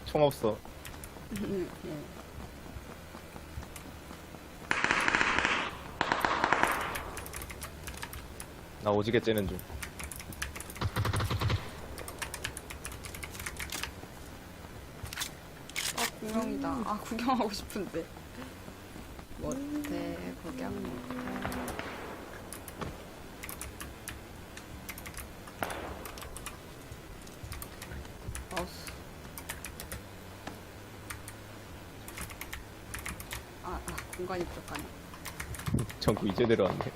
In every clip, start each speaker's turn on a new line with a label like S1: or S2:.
S1: 총 없어. 나 오지게 째는 중.
S2: 구경이다. 아, 구경하고 싶은데. 못해, 구경 못해. 마우스. 공간이 부족하네.
S1: 전구 이제 내려왔네.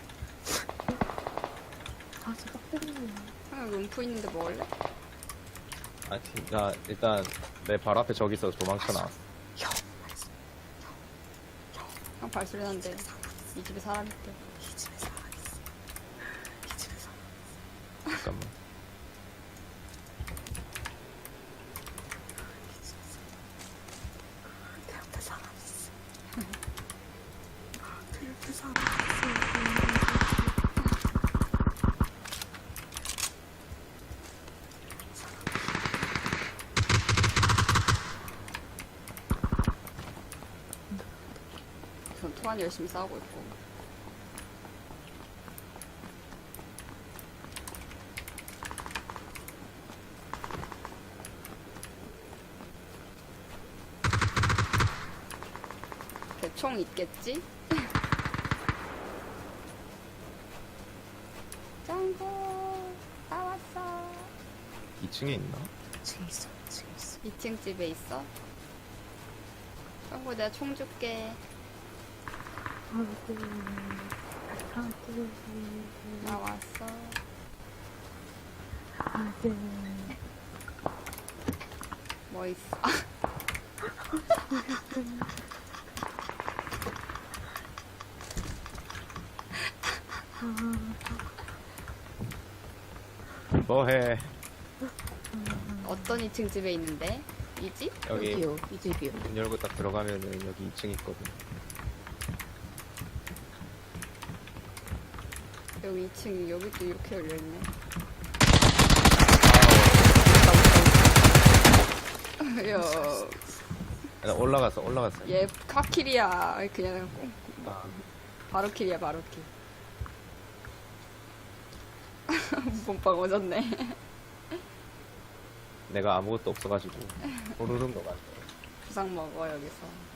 S3: 아, 저 빡대네.
S2: 여기 음프 있는데 먹을래?
S1: 아, 나 일단 내 바로 앞에 저기 있어서 도망쳐 나왔어.
S2: 형 발소리 나는데 이 집에 사람 있대.
S3: 이 집에 사람 있어. 이 집에 사람 있어.
S1: 잠깐만.
S3: 이 집에 사람. 내 옆에 사람 있어. 내 옆에 사람 있어.
S2: 전 토안이 열심히 싸우고 있고. 대총 있겠지? 짱구 나왔어.
S1: 2층에 있나?
S3: 지금 있어. 지금 있어.
S2: 2층 집에 있어? 짱구 내가 총 줄게.
S3: 아이고. 아이고.
S2: 나왔어.
S3: 아이고.
S2: 뭐 있어?
S1: 뭐해?
S2: 어떤 2층 집에 있는데? 이 집?
S1: 여기
S3: 여기요. 이 집이요.
S1: 문 열고 딱 들어가면은 여기 2층 있거든.
S2: 여기 2층 여기 또 이렇게 열려있네. 야,
S1: 나 올라갔어.
S2: 얘 카킬이야. 그냥
S1: 아,
S2: 바로 킬이야, 바로 킬. 몸빵 오졌네.
S1: 내가 아무것도 없어가지고 호르륵 녹았어.
S2: 부상 먹어 여기서.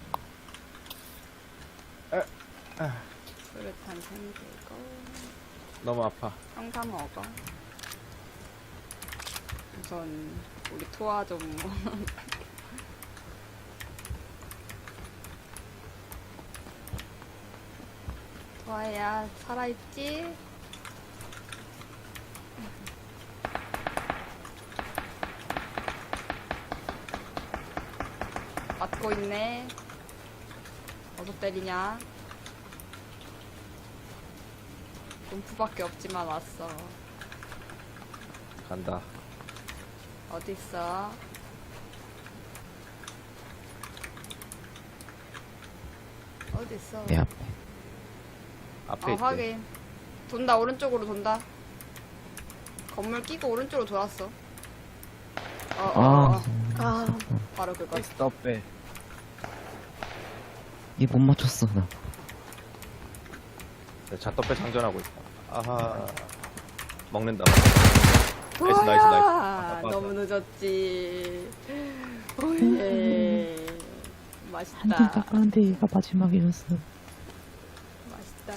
S1: 아.
S2: 수류탄 생기고.
S1: 너무 아파.
S2: 형사 먹어. 우선 우리 토아 좀. 토아야 살아있지? 맞고 있네. 어서 때리냐? 음프밖에 없지만 왔어.
S1: 간다.
S2: 어딨어? 어딨어?
S4: 내 앞에.
S1: 앞에 있대.
S2: 확인. 돈다, 오른쪽으로 돈다. 건물 끼고 오른쪽으로 돌았어.
S3: 아,
S2: 바로 그거.
S1: 스톱해.
S4: 얘 못 맞췄어, 나.
S1: 잣떡배 장전하고 있다. 아하. 먹는다.
S2: 우와,
S1: 나이스. 맞아.
S2: 너무 늦었지. 오예.
S3: 한팀
S2: 맛있다.
S3: 닦았는데 얘가 마지막이었어.
S2: 맛있다.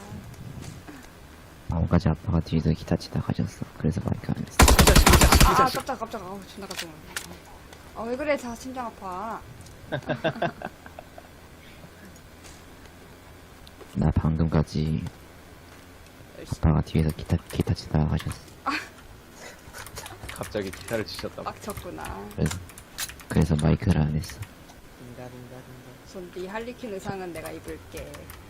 S4: 마음까지 아빠가 뒤에서 기타 치다 가셨어. 그래서 마이크 안 했어.
S2: 깜짝. 아우, 존나 깜짝 놀랐네. 왜 그래, 자, 심장 아파.
S4: 나 방금까지 아빠가 뒤에서 기타 치다 가셨어.
S1: 갑자기 기타를 치셨다.
S2: 빡쳤구나.
S4: 그래서 마이크를 안 했어.
S2: 손 네 할리퀸 의상은 내가 입을게.